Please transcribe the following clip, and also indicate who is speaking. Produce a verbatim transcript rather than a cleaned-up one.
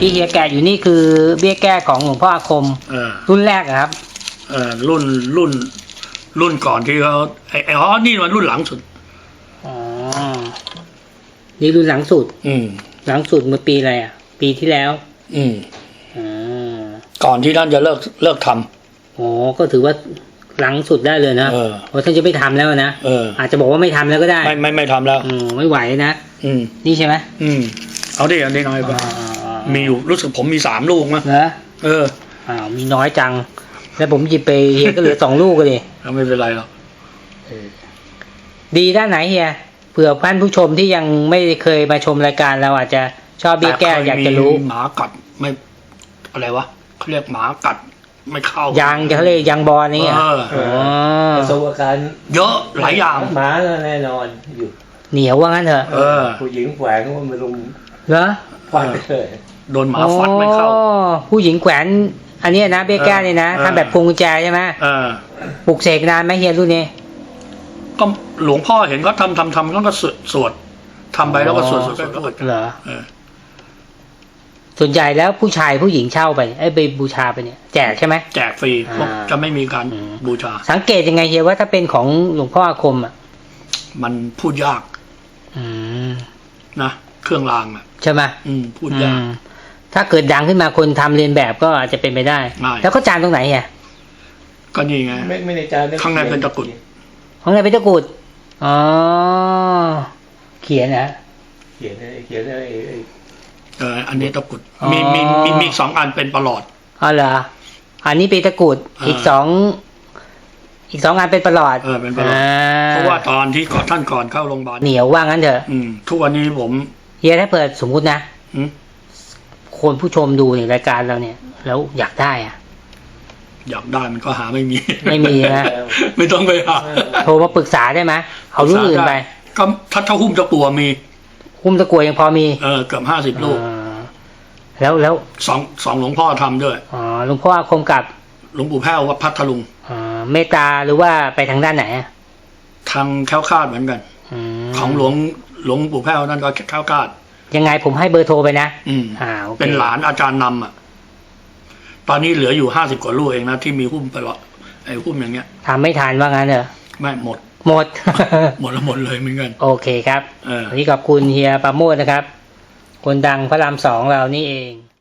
Speaker 1: ที่เฮียแกะอยู่นี่คือเบี้ยแก้ของหลวงพ่ออาคม
Speaker 2: เออ
Speaker 1: รุ่นแรกอะครับ
Speaker 2: เออรุ่นรุ่นรุ่นก่อนที่เขาไอ้ไอ้อ๋อนี่มันรุ่นหลังสุด
Speaker 1: อ๋อ นี่รุ่นหลังสุด
Speaker 2: อืม
Speaker 1: หลังสุดเมื่อปีอะไรอ่ะ ปีที่แล้ว
Speaker 2: อืม
Speaker 1: อ๋อ
Speaker 2: ก่อนที่ท่านจะเลิกเลิกทำ
Speaker 1: อ๋อ ก็ถือว่าหลังสุดได้เลยนะ
Speaker 2: เออ
Speaker 1: เพราะท่านจะไม่ทำแล้วนะ
Speaker 2: เออ
Speaker 1: อาจจะบอกว่าไม่ทำแล้วก็ได้
Speaker 2: ไม่ไม่ไม่ทำแล้ว
Speaker 1: อืมไม่ไหวนะ
Speaker 2: อืม
Speaker 1: นี่ใช่ไหม
Speaker 2: อืม เอาดิเอาดิน้อยไป
Speaker 1: อ่า
Speaker 2: มีอยู่รู้สึกผมมีสามลูกมั้ง
Speaker 1: เหรอ
Speaker 2: เออ
Speaker 1: อ้าวมีน้อยจัง แล้วผมหยิบไปเฮียก็เหลือสองลูกก็ดิ
Speaker 2: แล้วไม่เป็นไรหรอก
Speaker 1: ดีด้านไหนเฮียเผื่อท่านผู้ชมที่ยังไม่เคยมาชมรายการเราอาจจะชอบเบี้ยแก้อยากจะรู้
Speaker 2: หมากัดไม่อะไรวะเขาเรียกหมากัดไม่เข้าย
Speaker 1: างจะเขาเรียกยางบอลนี่อ่ะ
Speaker 2: เออ
Speaker 1: อ๋อ
Speaker 3: ประสบการณ์
Speaker 2: เยอะหลายอย่าง
Speaker 3: หมาแน่นอนอยู่
Speaker 1: เหนียวว่างั้นเถอะ
Speaker 2: เออ
Speaker 3: ผู้หญิงแฝงว่ามันลง
Speaker 1: เหรอ
Speaker 3: ฟันเลย
Speaker 2: โดนหมาฟัดไม่เข้า
Speaker 1: อ๋อผู้หญิงแขวนอันเนี้ยนะเบี้ยแก้เนี่ยนะ
Speaker 2: เออ
Speaker 1: ทำแบบพวงกุญแจใช่ไหม
Speaker 2: เออ
Speaker 1: ปลุกเสกนานไหมเฮียรุ่นนี้
Speaker 2: ก็หลวงพ่อเห็นเขาทำทำทำแล้วก็สวดสวดทำไปแล้วก็สวดสวดสวดสวด
Speaker 1: เหรอ
Speaker 2: เออ
Speaker 1: ส่วนใหญ่แล้วผู้ชายผู้หญิงเช่าไปไอ้ยไปบูชาไปเนี่ยแจกใช่ไหม
Speaker 2: แจกฟรีพวก
Speaker 1: อ่า
Speaker 2: จะไม่มีการ
Speaker 1: อืม
Speaker 2: บูชา
Speaker 1: สังเกตยังไงเฮียว่าถ้าเป็นของหลวงพ่ออาคมอ่ะ
Speaker 2: มันพูดยาก
Speaker 1: อืม
Speaker 2: นะเครื่องรางอ่ะ
Speaker 1: ใช่ไหม
Speaker 2: อืมพูดยาก
Speaker 1: อืมถ้าเกิดดังขึ้นมาคนทำเรียนแบบก็อาจจะเป็นไปได้
Speaker 2: ได้
Speaker 1: แล้วเขาจานตรงไหนเฮีย
Speaker 2: ก็นี่ไง
Speaker 3: ไม่ไม่ในใจ
Speaker 2: ข้างในเป็นตะกรุด
Speaker 1: ของไหนเป็นตะกรุดอ๋อเขียนนะ
Speaker 3: เขียนไอ้เขียนไอ้ไอ้
Speaker 2: เอออันนี้ตะกรุด
Speaker 1: อ๋อ
Speaker 2: มีมีมีมีสองอันเป็นประหลอด
Speaker 1: อ๋อเหรออันนี้เป็นตะกรุด
Speaker 2: อ่า
Speaker 1: อีกสองอีกสองอันเป็นประหลอด
Speaker 2: เออเป็นประหลอด เพราะว่าตอนที่ก่อนท่านก่อนเข้าโรงพยาบาล
Speaker 1: เหนียวว่างั้นเถอะ
Speaker 2: อืมทุกวันนี้ผม
Speaker 1: เฮียถ้าเปิดสมมุตินะ
Speaker 2: อืม
Speaker 1: คนผู้ชมดูในรายการเราเนี่ย แล้วอยากได้อะ
Speaker 2: อยากได้มันก็หาไม่มี
Speaker 1: ไม่มีนะ
Speaker 2: ไม่ต้องไปหา
Speaker 1: โทรมาปรึกษาได้ไหมเอารุ่นอื่นไป
Speaker 2: ก็ถ้าถ้าหุ้มจะกลัวมี
Speaker 1: คุ้มตะกรวยยังพอมี
Speaker 2: เออเกือบห้าสิบลูก
Speaker 1: อ่าแล้วแล้ว
Speaker 2: สองสองหลวงพ่อทำด้วย
Speaker 1: อ๋อหลวงพ่ออาคมกับ
Speaker 2: หลวงปู่แพ้ววัดพัทลุง
Speaker 1: อ่าเมตตาหรือว่าไปทางด้านไหนอะ
Speaker 2: ทางแคล้วคลาดเหมือนกัน
Speaker 1: ม
Speaker 2: ของหลวงหลวงปู่แพ้วนั่นก็แคล้วคลาด
Speaker 1: ยังไงผมให้เบอร์โทรไปนะ
Speaker 2: อืม
Speaker 1: อ่าโอเค
Speaker 2: เป็นหลานอาจารย์นำอ่ะ ตอนนี้เหลืออยู่ห้าสิบกว่าลูกเองนะที่มีหุ้มไปว่าไอ้หุ้มอย่างเงี้ย
Speaker 1: ทำไม่ทันว่างั้นเหรอ
Speaker 2: ไม่หมด
Speaker 1: หมด
Speaker 2: หมดแล้วหมดเลยเหมือนกัน
Speaker 1: โอเคครับ
Speaker 2: เออ
Speaker 1: วันนี้ขอบคุณเฮียปราโมชนะครับ คนดังพระรามสองเรานี่เอง